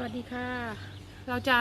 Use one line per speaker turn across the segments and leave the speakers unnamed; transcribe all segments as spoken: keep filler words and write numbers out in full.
วัสดีค่ะ เราจะ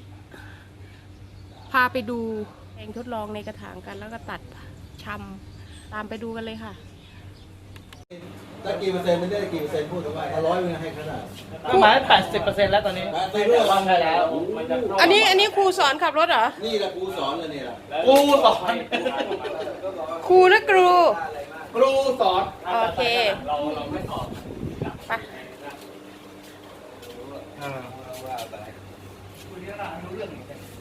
พาไปดูแปลงทดลองในกระถางกันแล้วก็ตัดชำตามไปดูกันเลยค่ะ
ได้กี่เปอร์เซ็นต์ไม่ได้กี่เปอร์เซ็นต์พูดถึงว่าร้อยมันให้ขนาด
ประมาณแปดสิบเปอร์เซ็นต์แล้วตอนนี้
แปดสิบเปอร์เซ็นต์
ได้แล้ว
อันนี้อันนี้ครูสอนขับรถเหรอ
นี่แหละครูสอนเลยเนี่ย
ครูสอน
ครูนะครู
ครูสอน
โอเค
เราเราไม่สอน
ไป
คุณนี่เรารู้เรื่อง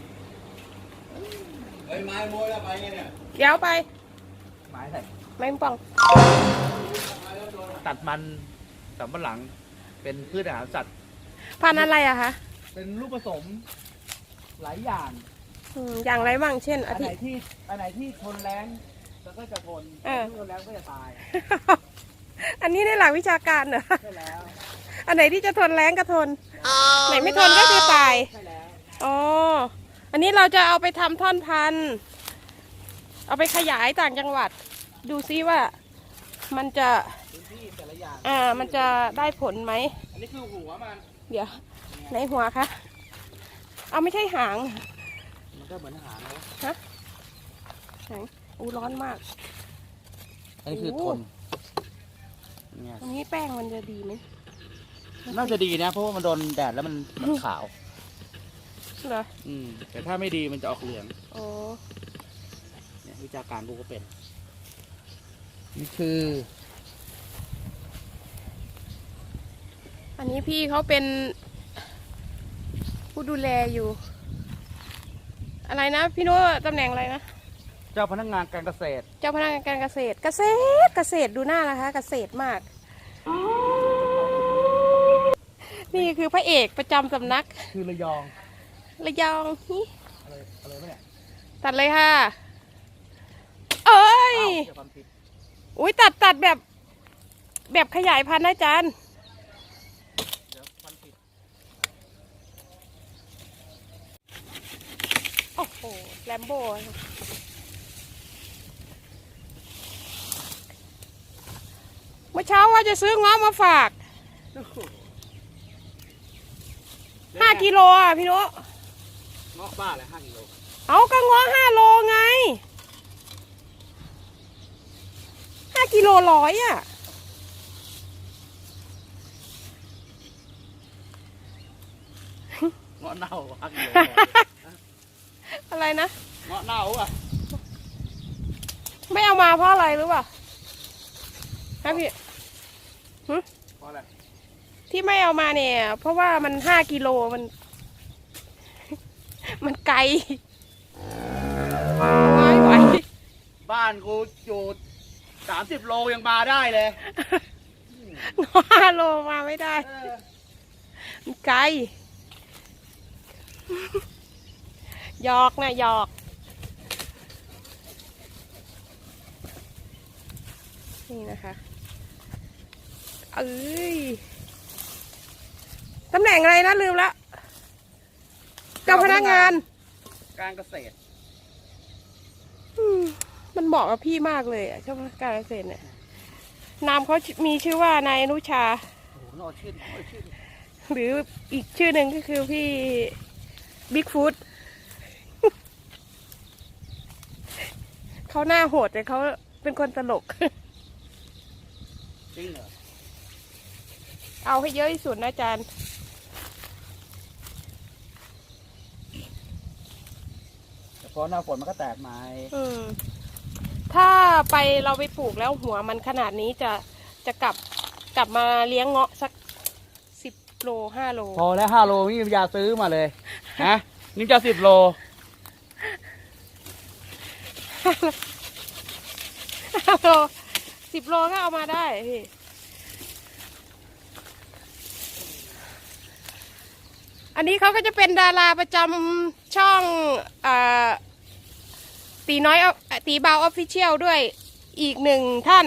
เฮ้ยไม้โม้แล้วไปไงเนี่ย
เดี๋ยวไป
หมายใส่
ไม่ปอง
ตัดมันสำปะหลังเป็นพืชอาหารสัตว์
พันธุ์อะไรอะคะ
เป็นลูกผสมหลายอย่าง
อืมอย่างไรบ้างเช่น
อั
อาน
ไหน
ทิ
ที่อันไหนที่ทนแรงแล้วก็จะทน
เออ
ที่ทนแรงก็จะตาย
อันนี้ในหลักวิชาการเหรอ
ใช่แล้ว
อันไหนที่จะทนแรงก็ทน ไหนไม่ทนก็คือตาย
ใช่แล้ว
อ๋อ อันนี้เราจะเอาไปทำท่อนพันธุ์เอาไปขยายต่างจังหวัด ดูซิว่ามันจะ
พื้นที่แต่ละอย่าง
อ่า มันจะได้ผลไหม
อันนี้คือหัวมัน
เดี๋ยวในหัวคะ เอาไม่ใช่หาง
มันก็เหมือนอาหารนะ
ฮะหางอู้ร้อนมาก
อันนี้คือ
โอ้
ทนเนี่ย
ตรงนี้แป้งมันจะดีไหม
น่าจะดีนะเพราะว่ามันโดนแดดแล้วมันมันขาว
เหรอ
อืมแต่ถ้าไม่ดีมันจะออกเหลือง
โอ้
เนี่ยวิชาการกูก็เป็น นี่คือ
อันนี้พี่เขาเป็น ผู้ดูแลอยู่ อะไรนะพี่โน้ตำแหน่งอะไรนะ
เจ้าพนักงานการเกษตร
เจ้าพนักงานการเกษตร เกษตร เกษตรดูหน้านะคะ เกษตรมาก นี่คือพระเอกประจำสำนัก
คือระยอง
ระยองนี่
อะไรอะไรวะเนี่ย
ตัดเลยค่ะ เอ้ย
อ้าวเดี๋ยวความผิด
อุ้ยตัดตัดแบบ แบบขยายพันธุ์นะอาจารย์
เดี๋ยวความผิด
โอ้โห แลมโบ้เมื่อเช้าว่าจะซื้อง้อมาฝาก ห้ากิโลอ่ะพี่โน
เงาะบ้าเลยห้ากิโล
เอาก็ง้อห้าโลไง ห้ากิโลร้อยอ่ะ
เงาะเน่าห้ากิโล
อะไรนะ
เงาะเน่าอ่ะ
ไม่เอามาเพราะอะไรรู้ป่ะฮะพี่หึ
เพราะอะไร
ที่ไม่เอามาเนี่ย เพราะว่ามันห้ากิโลมัน มันไกลไม่ไหว
บ้านกูอยู่สามสิบโลยังมาได้เลย
ห้าโลมาไม่ได้
เออ
มันไกลหยอกนะหยอก นี่นะคะ เอ้ย ตำแหน่งอะไรนะลืมละเจ้าพนักงาน
การเกษตร
อืมมันเหมาะกับพี่มากเลยอ่ะเจ้าพนักงานเกษตรเนี่ย นามเขามีชื่อว่านายอนุชา
โอ้โหนอชื่นนอชื่น
หรืออีกชื่อหนึ่งก็คือพี่บิ๊กฟูด เขาหน้าโหดแต่เขาเป็นคนตลก
จริงเหรอ
เอาให้เยอะที่สุดนะอาจารย์
แต่พอหน้าฝนมันก็แตกไม้
อืม ถ้าไปเราไปปลูกแล้วหัวมันขนาดนี้จะจะกลับกลับมาเลี้ยงเงาะสักสิบโลห้าโล
พอแล้วห้าโลนี่ยาซื้อมาเลยฮะนี่จะสิบโล
ห้าโลสิบโลก็เอามาได้พี่ อันนี้เขาก็จะเป็นดาราประจำช่องอ่าตีน้อยตีเบาออฟฟิเชียลด้วยอีกหนึ่งท่าน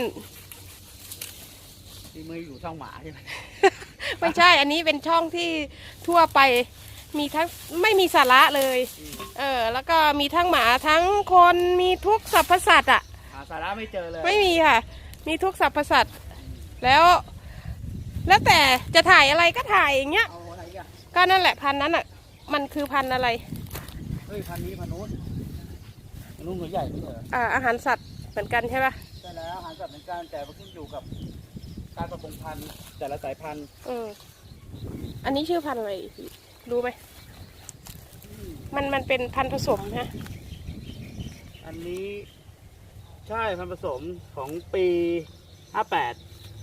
ที่มืออยู่ช่องหมาใช่ไหม
ไม่ใช่ อันนี้เป็นช่องที่ทั่วไปมีทั้งไม่มีสาระเลย เออ แล้วก็มีทั้งหมาทั้งคนมีทุกสรรพสัตว์อ่ะ
หาสาระไม่เจอเลย
ไม่มีค่ะ มีทุกสรรพสัตว์แล้ว แล้วแต่จะถ่ายอะไรก็ถ่ายอย่างเงี้ย
เอาอะไรอ่ะ
กก็นั่นแหละพันธุ์นั้นอ่ะ มันคือพันธุ์อะไร
เฮ้ยพันนี้พันนู้นพันนู้นหัวใหญ่ไม่ใช่เหรอ
อ่าอาหารสัตว์เหมือนกันใช่ปะ
ใช่แล้วอาหารสัตว์เหมือนกันแต่มันขึ้นอยู่กับการผสมพันธุ์แต่ละสายพันธุ์
อืมอันนี้ชื่อพันธุ์อะไรพี่รู้ไหมมันมันเป็นพันธุ์ผสมฮะ
อันนี้ใช่พันธุ์ผสมของปีห้าแปด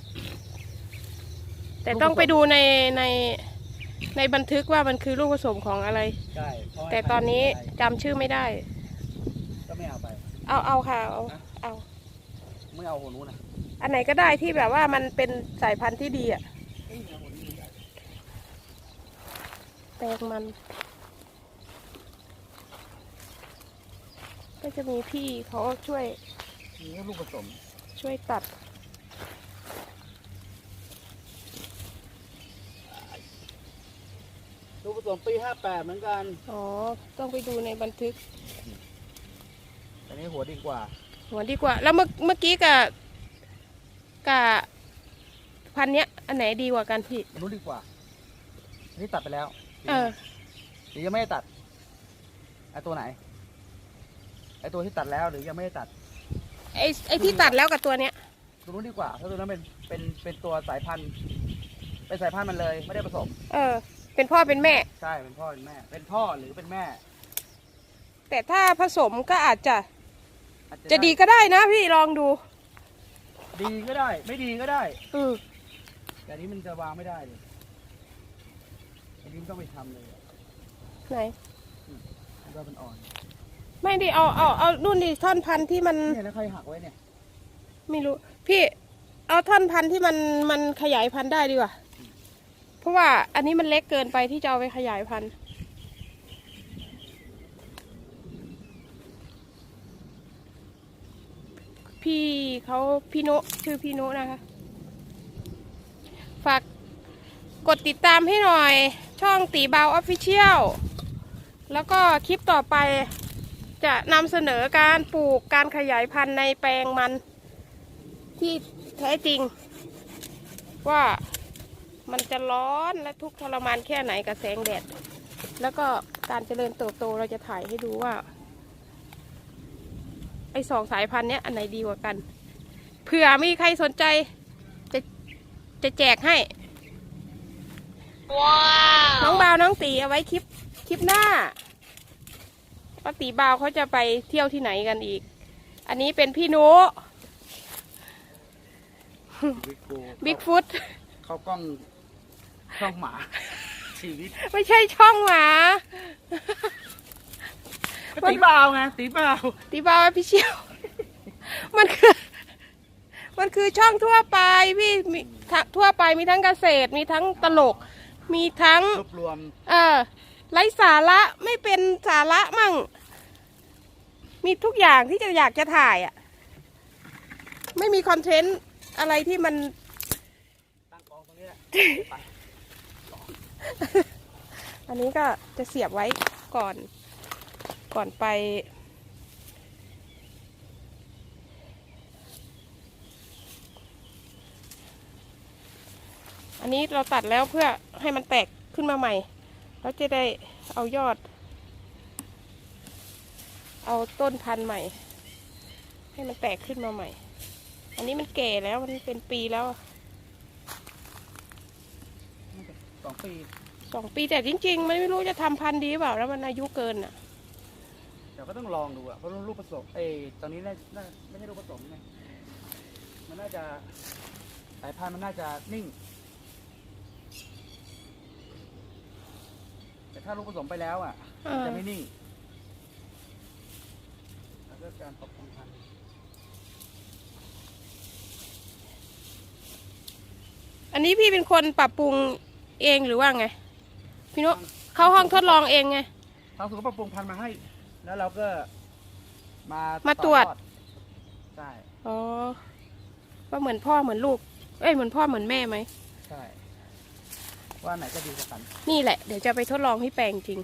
แต่ต้องไปดูในในในบันทึกว่ามันคือลูกผสมของอะไร
ใช่เพราะให้
แต่ตอนนี้
พัธุ์
จำชื่อไม่ได้
ก็ไม่เอาไป
เอาเอาค่ะเอาเอา
ไม่เอาหัวนู้นนะ
อันไหนก็ได้ที่แบบว่ามันเป็นสายพันธุ์ที่ดีอ่ะ
เอ้ยเอาหัวนี้ใหญ่
แตงมัน ก็จะมีพี่เขาช่วย
นี่ลูกผสม
ช่วยตัด
ลูกผสมปีห้าแปดเหมือนกัน
อ๋อ ต้องไปดูในบันทึก
อันนี้หัวดีกว่า
หัวดีกว่า แล้วเมื่อเมื่อกี้กับกับพันเนี้ย อันไหนดีกว่ากันพี่
อันนู้นดีกว่าอันนี้ตัดไปแล้ว
เออ
หรือยังไม่ได้ตัดไอตัวไหนไอตัวที่ตัดแล้วหรือยังไม่ได้ตัด
ไอไอที่ตัดแล้วกับตัวเนี้ย
ตัวนู้นดีกว่าเพราะตัวนั้นเป็นเป็นเป็นตัวสายพันธุ์เป็นสายพันธุ์มันเลยไม่ได้ผสม
เออ เป็นพ่อเป็นแม่
ใช่เป็นพ่อเป็นแม่ เป็นพ่อหรือเป็นแม่
แต่ถ้าผสมก็อาจจะ
อาจ
จะดีก็ได้นะพี่ลองดู
ดีก็ได้ ไม่ดีก็ได้
อืม
แต่อันนี้มันจะวางไม่ได้เลยอันนี้มันต้องไปทำเลยอะ
ไหน
มันก็เป็นอ่อน
ไม่ดิเอาเอาเอานู่นดิท่อนพันธุ์ที่มัน
เนี่ยแล้วใครหักไว้เนี่ย
ไม่รู้ พี่ เอาท่อนพันธุ์ที่มันมันขยายพันธุ์ได้ดีกว่า เพราะว่าอันนี้มันเล็กเกินไปที่จะเอาไปขยายพันธุ์ พี่เขาพี่โนชื่อพี่โนนะคะ ฝากกดติดตามให้หน่อย ช่องตีเบาออฟฟิเชียลแล้วก็คลิปต่อไปจะนำเสนอการปลูกการขยายพันธุ์ในแปลงมันที่แท้จริง ว่ามันจะร้อนและทุกข์ทรมานแค่ไหนกับแสงแดด แล้วก็การเจริญเติบโตเราจะถ่ายให้ดูว่า ไอ้สองสายพันธุ์เนี้ยอันไหนดีกว่ากัน เผื่อมีใครสนใจจะจะแจกให้ ว้าว น้องบาวน้องตีเอาไว้คลิปคลิปหน้าว่าตีบาวเขาจะไปเที่ยวที่ไหนกันอีก อันนี้เป็นพี่นุ
บิ๊กโก
บิ๊กฟุต
เข้ากล้องช่องหมา ชีวิต
ไม่ใช่ช่องหมา
ตีเปล่าไงตีเปล่า
ตีบาวพี่เชียว มันคือ มันคือช่องทั่วไปพี่มีทั้งทั่วไปมีทั้งเกษตร มีทั้งตลก มีทั้ง
รวบรวม
เออไร้สาระไม่เป็นสาระมั่ง มีทุกอย่างที่จะอยากจะถ่ายอ่ะ ไม่มีคอนเทนต์อะไรที่มัน
ตั้งกองตรงนี้แหละไป
อันนี้ก็จะเสียบไว้ก่อน ก่อนไป อันนี้เราตัดแล้วเพื่อให้มันแตกขึ้นมาใหม่ แล้วจะได้เอายอด เอาต้นพันธุ์ใหม่ ให้มันแตกขึ้นมาใหม่ อันนี้มันแก่แล้วมันเป็นปีแล้วอะ
สองปี
สองปีแต่จริงๆมันไม่รู้จะทำพันธุ์ดีหรือเปล่าแล้วมันอายุเกินอ่ะ
เดี๋ยวก็ต้องลองดูอ่ะเพราะลูกผสมเอ้ยตอนนี้น่าน่าไม่ใช่ลูกผสมไงมันน่าจะสายพันธุ์มันน่าจะนิ่ง แต่ถ้าลูกผสมไปแล้วอ่ะ
อ่ามั
มันจะไม่นิ่งแล้วก็การปรับปรุงพันธุ์
อันนี้พี่เป็นคนปรับปรุงเองหรือว่าไง พี่นุเข้าห้องทดลองเองไง
ทางศูนย์ปรับปรุงพันธุ์มาให้ แล้วเราก็มา
มาตรวจ
อดใช่
อ๋อว่าเหมือนพ่อเหมือนลูก เอ้ยเหมือนพ่อเหมือนแม่ไหม
ใช่ ว่าไหนจะดีกว่ากัน
นี่แหละเดี๋ยวจะไปทดลองที่แปลงจริง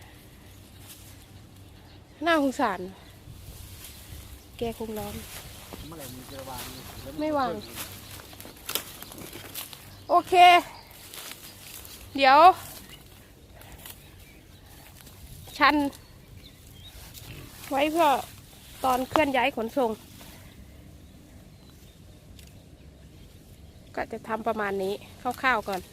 น่าสงสาร แกคงร้อน
เมื่อไหร่มันจะวางแล้ว
ไม่วาง โอเค เดี๋ยวชัน ไว้เพื่อตอนเคลื่อนย้ายขนส่ง ก็จะทำประมาณนี้คร่าวๆก่อน